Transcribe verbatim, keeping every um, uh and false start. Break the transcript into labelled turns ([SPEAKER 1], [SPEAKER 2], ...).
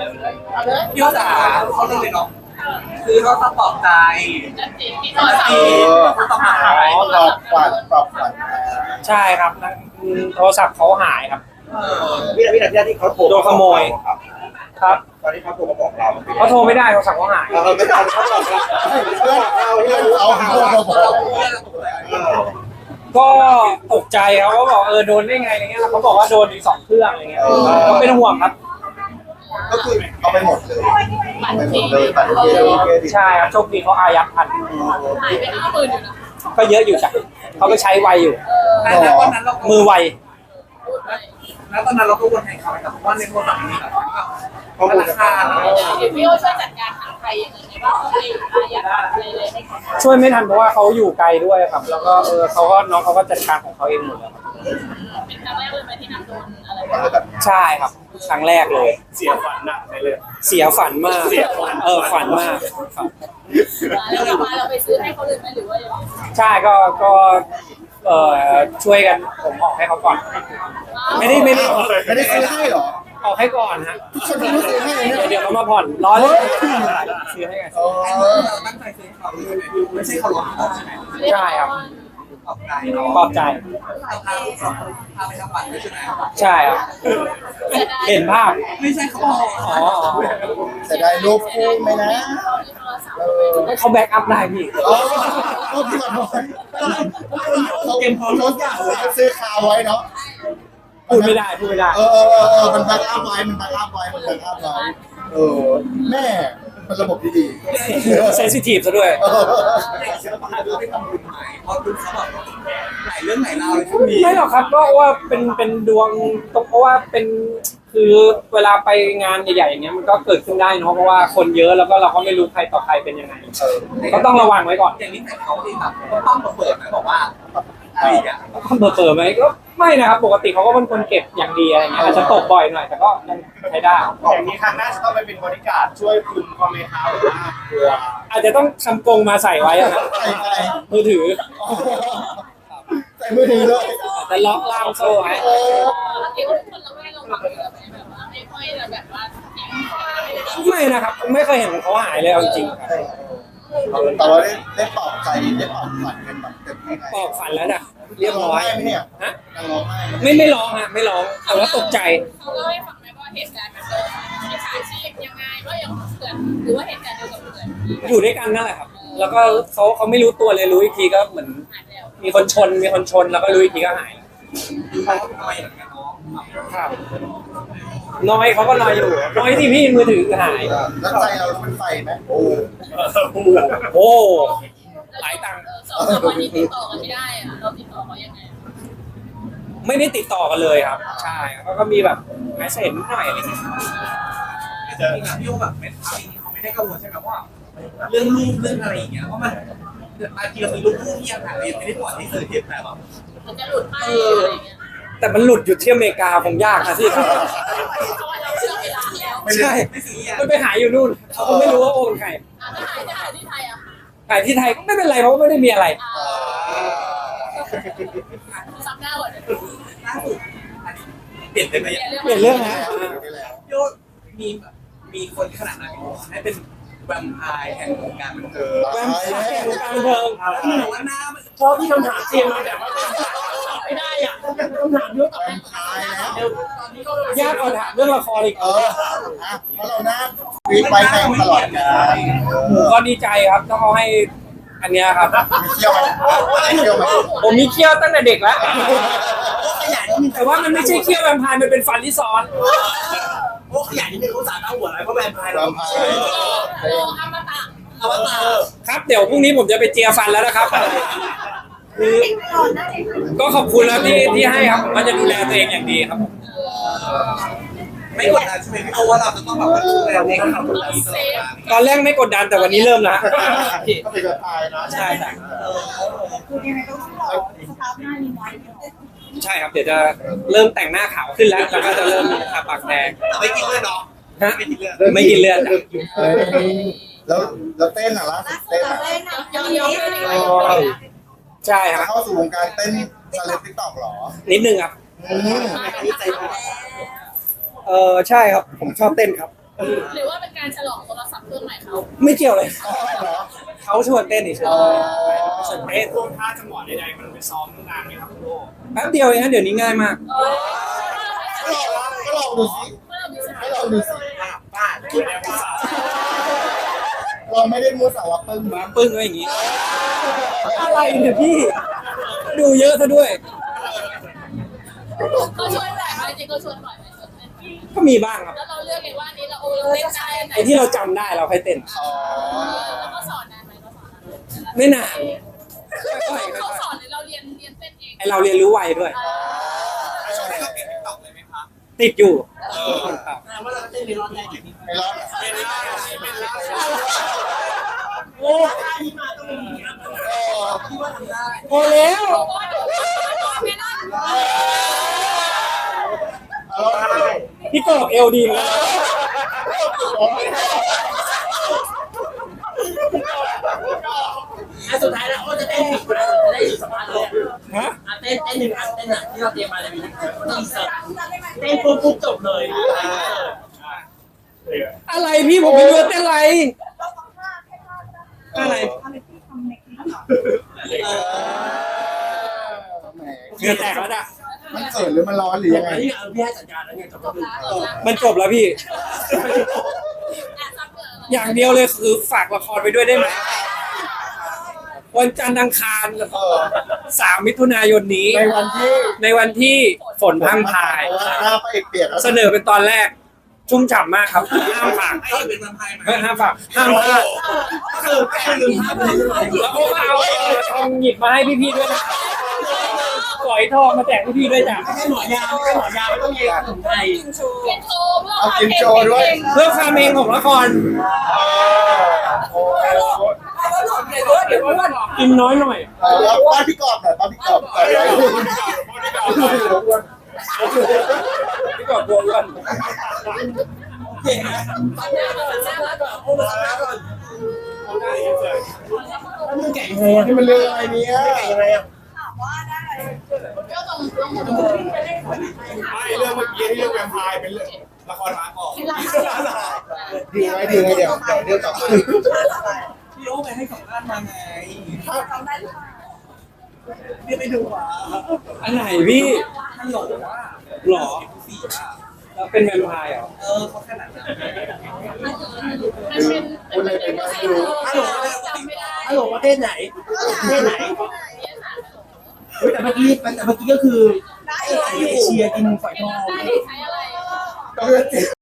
[SPEAKER 1] พี่ภาษาเขาเรื่องเลยเนาะคือเขาต้องปลอบใจ
[SPEAKER 2] ที่โทรศัพท์
[SPEAKER 1] เขาต้องหา
[SPEAKER 3] อ๋อตอบฝันตอบฝัน
[SPEAKER 4] ใช่ครับโทรศัพท์เขาหายครับ
[SPEAKER 5] วินาทีนั้นที่เขาโทร
[SPEAKER 4] โดนขโมยครับ
[SPEAKER 5] ตอนที่เขาโทรมาบอกเรา
[SPEAKER 4] เขาโทรไม่ได้โทรศัพท์เขาหาย
[SPEAKER 5] เราไม่ทันเขาบอกเรา
[SPEAKER 3] เพื่อนเอาเพื่อนเอาหาเราบอก
[SPEAKER 4] ก็ตกใจเขาก็บอกเออโดนได้ไงอะไรเงี้ยเขาบอกว่าโดนอีกสองเครื่องอะไรเงี้ยก็เป็นห่วงครับ
[SPEAKER 3] ก็คือเอาไปหมดเลยเอาไปหมดเลยตัดเครดิต
[SPEAKER 4] ใช่ครับโชคดีเขาอายัดทัน
[SPEAKER 2] หายไปห้าหมื่นอยู่นะ
[SPEAKER 4] ก็เยอะอยู่จ้ะเขาไปใช้ไวอยู่
[SPEAKER 1] แล้วตอนนั้นเรา
[SPEAKER 4] มือไว
[SPEAKER 1] แล้วตอนนั้นเราก็วนให้เขาแต่ว่าในโทรศัพท์มีแบบธนาคาร
[SPEAKER 2] เดี๋ยวพี่โอช่วยจัดการหาใครยังไงบ้างให้อายัดอะไรเลยให้เขา
[SPEAKER 4] ช่วยไม่ทันเพราะว่าเขาอยู่ไกลด้วยครับ แล้วก็เออเขาก็น้องเขาก็จัดการของเขาเองหมดเลยครับ
[SPEAKER 2] เป็นครั้งแรกเลยไหมที่นำโดนอะไรแบบ
[SPEAKER 4] ใช่ครับครั้งแรกเลย
[SPEAKER 5] เสียฝันหนักเลย
[SPEAKER 4] เสียฝันมากเออฝันมากครับ
[SPEAKER 2] แล้วเรามาเราไปซื้อให้เขาเลยไหมหรือว่ายังไง
[SPEAKER 4] ใช่ก็ก็เออช่วยกันผมออกให้เขาก่อน ไม่ได้ไม่ได้
[SPEAKER 3] ไม่ได้ซื้อให้หรอ
[SPEAKER 4] ออกให้ก่อนฮะ
[SPEAKER 3] ฉันไม่ได้ซื้อให้เนี่ย
[SPEAKER 4] เดี๋ยวเขามาผ่อนร้อยเลยซื้อให้ไง
[SPEAKER 3] เออ
[SPEAKER 1] ตั้งใจซื้อเขาไม่ใช่เขาหลอกใช่ไหม
[SPEAKER 4] ใช่ครับ
[SPEAKER 1] ปลอบใจ
[SPEAKER 4] ปลอบใจ
[SPEAKER 1] เราพาพาไปทำบัตรด้วยใช่ไหม
[SPEAKER 4] ใช่ครับเห็นภาพ
[SPEAKER 1] ไม่ใช่เขาบอก
[SPEAKER 4] อ๋อ
[SPEAKER 3] แต่ได้รูปคู่ไหมนะเออ
[SPEAKER 4] เขาแบ็กอัพได้พี่
[SPEAKER 3] ก็พี่ขอโทษเขาเก็บพร้อมรถอย่างซื้อคาไว้เนาะ
[SPEAKER 4] พูดไม่ได้พูดไม่ได้
[SPEAKER 3] เออเออเออมันแบ็กอัพไว้มันแบ็กอัพไว้มันแบ็กอัพไว้เออแม่เป็นระบบที่ดี
[SPEAKER 4] เซนซิทีฟซะด้วย
[SPEAKER 3] เออ
[SPEAKER 1] เด็กศิลปะด้วยไปทำบุญใหม่เพราะคุณเขาแบบหลายเรื่องหลายราวเลยช่วงนี้
[SPEAKER 4] ไม่หรอกครับก็ว่าเป็นเป็นดวงตกเพราะว่าเป็นคือเวลาไปงานใหญ่ๆอย่างเงี้ยมันก็เกิดขึ้นได้เนาะเพราะว่าคนเยอะแล้วก็เราก็ไม่รู้ใครต่อใครเป็นยังไงก็ต้องระวังไว้ก่อน
[SPEAKER 1] อย่างนี้แต่เขาที่แบบต้องมาเปิดนะบอกว่าอะไรอย่างเงี้ย
[SPEAKER 4] เขาเปิดเปิดไหมก็ไม่นะครับปกติเขาก็เป็นคนเก็บอย่างดีอะไรเงี้ยอาจจะตกบ่อยหน่อยแต่ก็ยังใช้ได้
[SPEAKER 5] อย่างนี้ครั้งหน้าจะต้องไปเป็นบริการช่วยคุณคอมเมนต์เท้าหรือว่าตัว
[SPEAKER 4] อาจจะต้องทำกรงมาใส่ไว้อะนะ
[SPEAKER 3] ใส่อะไร
[SPEAKER 4] มือถือ
[SPEAKER 3] ใส่มือถือเลย
[SPEAKER 4] แต่ล็อกล่ามโซ่ไว้
[SPEAKER 3] เออ
[SPEAKER 2] เดี๋ยวคนเราไม่ลงมาเลยแบบว่าไม่ค่อยแบบว่าทิ้งขวาไม่ได้
[SPEAKER 4] ไม่นะครับไม่เคยเห็นเขาหายเลยเอาจริงครับ
[SPEAKER 3] แต่ว่าได้ได้ปลอบใจได้ปลอบขวัญกันแบบเต็มที่ไง
[SPEAKER 4] ปอกฝันแล้วนะเรียบร้อย
[SPEAKER 3] ไหมเนี่ย
[SPEAKER 4] ฮะ
[SPEAKER 3] ยังร้องไห้
[SPEAKER 4] ไม่ไม่ร้องฮะไม่ร้องแต่ว่าตกใจ
[SPEAKER 2] เขาเล่าให้ฟังไหมว่าเหตุการณ์มันเกิดมิจฉาชีพยังไงว่ายังเกิดหรือว่าเหตุการณ์เดียวกับเกิด
[SPEAKER 4] อยู่ด้วยกันนั่นแหละครับ แล้วก็เขาเขาไม่รู้ตัวเลยรู้อีกทีก็เหมือน
[SPEAKER 2] หายไปแล้ว
[SPEAKER 4] มีคนชนมีคนชนแล้วก็รู้อีกทีก็หาย
[SPEAKER 1] เขาทำไมอย่างเงี้ยน้อง
[SPEAKER 4] ครับน้อยเขาก็น้อยอยู่น้อยที่พี่มือถือหาย
[SPEAKER 3] แล้วใจเราเป็นไฟไหมโอ้
[SPEAKER 4] โอ้หลายตังค์
[SPEAKER 2] สองสามวันนี้ติดต่อกันไม่ได้อะเราติดต่อเขายังไง
[SPEAKER 4] ไม่ได้ติดต่อกันเลยครับ ใช่แล้วก็มีแบบแมสเซจนิดหน่อยอะไรอย่างเงี้ย
[SPEAKER 1] จริงๆอะพี่โอแบบเป็นเขาเองเขาไม่ได้กังวลใช่ไหมว่าเรื่องรูปเรื่องอะไรอย่างเงี้ยเพราะมันบางทีเรามีรูปคู่ที่ยังหาเรียนไม่ได้ปล่อยให้สื่อเห็นแต่แบบ
[SPEAKER 2] มันจะหลุดไปอะไรอย่างเงี้ย
[SPEAKER 4] แต่มันหลุดอยู่ที่อเมริกาผมยากนะที่ครับ
[SPEAKER 2] เพราะว่าเราเชื่อเวลาแล้ว
[SPEAKER 4] ใช่
[SPEAKER 1] ไม่ซีเรียส
[SPEAKER 4] มันไปหายอยู่นู่นเขาก็ไม่รู้ว่าโอนใคร
[SPEAKER 2] อ่ะถ้าหายจะหายที่ไทยอ่ะ
[SPEAKER 4] หายที่ไทยก็ไม่เป็นไรเพราะว่าไม่ได้มีอะไร
[SPEAKER 2] ซับหน้าก่อน
[SPEAKER 1] ล่าสุดอันนี้เปลี่ยนไปไหม
[SPEAKER 4] เปลี่ยนเรื่องนะ
[SPEAKER 1] พี่โอมีแบบมีคนขนาดนั้นให้เป็นแวมไพร์แห่งวงการบันเทิง
[SPEAKER 4] แวมไพร์แห่งวงการบันเทิง
[SPEAKER 1] แต่ว่าหน้า
[SPEAKER 4] ชอบที่คำถามเตรียมมาแต่ว่าไม่ได้อ่ะคำถามเยอะ
[SPEAKER 3] ตายแล้ว
[SPEAKER 4] ยากกว่าถามเรื่องละครอีก
[SPEAKER 3] เอออ่ะเพราะเราหน้าฟีดไว้แม่งตลอดกาล
[SPEAKER 4] หมูก็ดีใจครับถ้าเขาให้อันเนี้ยครับ
[SPEAKER 3] มีเที่ยวไหมมีเที่ยวไหม
[SPEAKER 4] ผมมีเขี้ยวตั้งแต่เด็กแล้ว
[SPEAKER 1] ขยัน
[SPEAKER 4] แต่ว่ามันไม่ใช่เขี้ยวแวมไพร์มันเป็นฟันที่ซ้อน
[SPEAKER 1] โอ้ขยันนี่เป็นภาษาต้าหัวอะไรเพราะแวมไพร์
[SPEAKER 3] เรา
[SPEAKER 1] เรา
[SPEAKER 3] พา
[SPEAKER 2] โอ้อมตะ
[SPEAKER 1] อวตาร
[SPEAKER 4] ครับเดี๋ยวพรุ่งนี้ผมจะไปเจียฟันแล้วนะครับคือก็ขอบคุณแล้วที่ที่ให้ครับผมก็จะดูแลตัวเองอย่างดีครับผม
[SPEAKER 1] ไม่กดดันใช่ไหมพี่โอว่าเราจะต้องแบบดูแลตัวเองให้เราดีตลอดเวลา
[SPEAKER 4] ตอนแรกไม่กดดันแต่วันนี้เริ่มแล้ว
[SPEAKER 3] ก็เป็นแบบพายนะ
[SPEAKER 4] ใช่ใช่
[SPEAKER 6] คือยังไงก็ต้องรอสภาพหน้านี้ไว้
[SPEAKER 4] ใช่ครับเดี๋ยวจะเริ่มแต่งหน้าขาวขึ้นแล้วแล้วก็จะเริ่มทาปากแดง
[SPEAKER 1] แต่ไม่กินเลือดเนาะ
[SPEAKER 4] ฮะ
[SPEAKER 1] ไม่กินเลือด
[SPEAKER 4] ไม่กินเลือด
[SPEAKER 3] เฮ้ยแล้วแล้วเต้นอ่ะล่ะเต้นอ่ะ
[SPEAKER 2] ยอมยอมเลย
[SPEAKER 4] ใช่ครับ
[SPEAKER 3] เข้าสู่วงการเต้นชาเลนจ์ติ๊กต็อกหรอ
[SPEAKER 4] นิดนึงครับ
[SPEAKER 3] อืม
[SPEAKER 1] อันนี้ใจมาก
[SPEAKER 4] เออใช่ครับผมชอบเต้นครับ
[SPEAKER 3] เ
[SPEAKER 2] หรือว่าเป็นการฉลองโทรศัพท์เครื่องใหม่เขา
[SPEAKER 4] ไม่เกี่ยวเลย
[SPEAKER 3] อ๋อเหรอ
[SPEAKER 4] เขาชวนเต้นเฉย
[SPEAKER 3] อ๋อ
[SPEAKER 4] ๆชวนเต้น
[SPEAKER 5] ท่วงท่าจังหวะใดๆมันไปซ้อมนานไหมครับคุณโล
[SPEAKER 4] แป๊บเดียวเองนะเดี๋ยวนี้ง่ายมาก
[SPEAKER 2] เออ
[SPEAKER 3] ก็ลองดูสิให้ลองดูสิ
[SPEAKER 1] บ้าน
[SPEAKER 5] คุณแอบภาษา
[SPEAKER 3] เราไม่ได้มัวสาวะปึ้งมั้ง
[SPEAKER 4] ปึ้งไว้อย่างงี้ อะไรเนี่ยพี่ ดูเยอะซะด้วย
[SPEAKER 2] เขาชวนบ่อยไหมจริงเขาชวนบ่อยไหมชวนเต้นไหม
[SPEAKER 4] ก็มีบ้างครับ
[SPEAKER 2] แล้วเราเลือกเองว่าอันนี้เราโอ้เราเต้นได้อันไหน
[SPEAKER 4] ไอ้ที่เราจำได้เราค่อยเต้น
[SPEAKER 3] อ๋อ
[SPEAKER 2] แล้วก็สอนนานไหมก็สอนนานไหม
[SPEAKER 4] ไม่นานค่อยๆ
[SPEAKER 2] เขา
[SPEAKER 4] ค่อย
[SPEAKER 2] สอนหรือเราเรียนเรียนเต้นเอง
[SPEAKER 4] ๆไอเราเรียนรู้ไวด้วย
[SPEAKER 1] ช่วงนี้เราเปลี่ยนติ๊กต็อกเลยไหมคะ
[SPEAKER 4] ติดอยู่ครับ
[SPEAKER 1] แปลว่าเราเต้นในรอบแรกอย่างนี้
[SPEAKER 3] ไม่รอด
[SPEAKER 1] เป็นได้เป็นได้
[SPEAKER 4] โอ้
[SPEAKER 1] ที่มาต้องมีอัพ
[SPEAKER 3] เออ
[SPEAKER 1] ที่ว่าทำได้
[SPEAKER 4] พอแล้ว
[SPEAKER 2] ไม่ได้
[SPEAKER 3] เอาได้
[SPEAKER 4] พี่กบเอลดีเหมือนกัน
[SPEAKER 1] อ่ะสุดท้ายแล้วโอ้จะเต้นอีกแล้วจะได้อยู่สมาร์ทเลย
[SPEAKER 4] ฮะ
[SPEAKER 1] อ่ะเต้นเต้นหนึ่งอันเต้นอ่ะที่เราเตรียมมาเลยมีต้องอินเสิร์ตเต้นปุ๊บปุ๊บจบเลย
[SPEAKER 4] อะไรพี่ผมไม่รู้ว่าเต้นอะไร อะไร
[SPEAKER 6] อะไรที่ทำในคลิป
[SPEAKER 1] เออ
[SPEAKER 3] แหม
[SPEAKER 4] เหงื่อแตกแล้วจ้ะ
[SPEAKER 3] มันเขินหรือมันร้อนหรือยังไง
[SPEAKER 1] นี่เออพี่ให้จัดการแล้วไงจบแล้ว
[SPEAKER 4] มันจบแล้วพี่
[SPEAKER 2] อ่ะซับเบอร์
[SPEAKER 4] อย่างเดียวเลยคือฝากละครไปด้วยได้ไหมวันจันทร์อังคาร
[SPEAKER 3] เออ
[SPEAKER 4] สามมิถุนายนนี้
[SPEAKER 3] ในวันที่
[SPEAKER 4] ในวันที่ฝนพรังพราย
[SPEAKER 3] เพราะว่าหน้าพระเอกเปียกแล้ว
[SPEAKER 4] เสนอเป็นตอนแรก ชุ่มฉ่ำมากครับห้ามฝาก
[SPEAKER 1] ไอ้เป็นมันพายไหม
[SPEAKER 4] เฮ้ยห้ามฝากห้ามพลาด
[SPEAKER 1] คือแค่ลืมภาพไปเลย
[SPEAKER 4] แล้วก็เอาทองหยิบมาให้พี่ๆด้วยนะปล่อยทองมาแจกพี่ๆด้วยจ้ะ
[SPEAKER 1] ไม่ใช่หมอยาวไม่ใช่หมอยาวไม่ต้องเย็นถึงไทย
[SPEAKER 2] เรียนโชว์เพื่อ
[SPEAKER 3] เอา
[SPEAKER 2] ความ
[SPEAKER 3] กิน
[SPEAKER 2] เก่
[SPEAKER 3] โชว์ด้วย
[SPEAKER 2] ง
[SPEAKER 4] เพื่อความเองของละคร
[SPEAKER 3] เออโอ้โห
[SPEAKER 4] กินน้อยหน่อย
[SPEAKER 3] เออแล้วป้าพี่กอบหน่อยป้าพี่กอบหน่อย
[SPEAKER 4] พี่กอบบัวอ้วน
[SPEAKER 1] เก่งนะฟังหน้าก่อนฟังหน้าก่อนโอ้ฟังหน้าก่อนแล้วมึงแก่ยังไงอ่ะ
[SPEAKER 3] นี่มันเรื่องอะไรเนี่ย
[SPEAKER 1] แก่ยังไงอ่ะ
[SPEAKER 2] ก็ตรงตรงตรง
[SPEAKER 5] ไม่เรื่องเมื่อกี้ที่เรื่องแวมไพร์เป็นเรื่องละครมาก่อน
[SPEAKER 3] ดีไหมดีไหมเดี๋ยวเดี๋ยวเดี๋ยวกลับมา
[SPEAKER 1] พี่โอ้ไปให้สัมภาษณ์มาไงพี่ไปดูอ่ะ
[SPEAKER 4] อันไหนพี่
[SPEAKER 1] ท่านหลงว่า
[SPEAKER 4] หรอ
[SPEAKER 1] สีอ่ะ
[SPEAKER 4] แล้วเป็นแวมไพร์เหรอ
[SPEAKER 1] เออเขาขนาดนั้น
[SPEAKER 2] มันเป็น
[SPEAKER 3] พูดอะไรไปบ้างไม่รู้
[SPEAKER 2] ฮัลโหลจำไม่ได้
[SPEAKER 1] ฮัลโหลประเทศไหนประเทศไหน
[SPEAKER 2] เรียนสารฮัลโหล
[SPEAKER 1] เฮ้ยแต่เมื่อกี้แต่เมื่อกี้ก็คือเอเชียกินฝอยทอง
[SPEAKER 2] ได้ใช้อะไร
[SPEAKER 3] ต้อง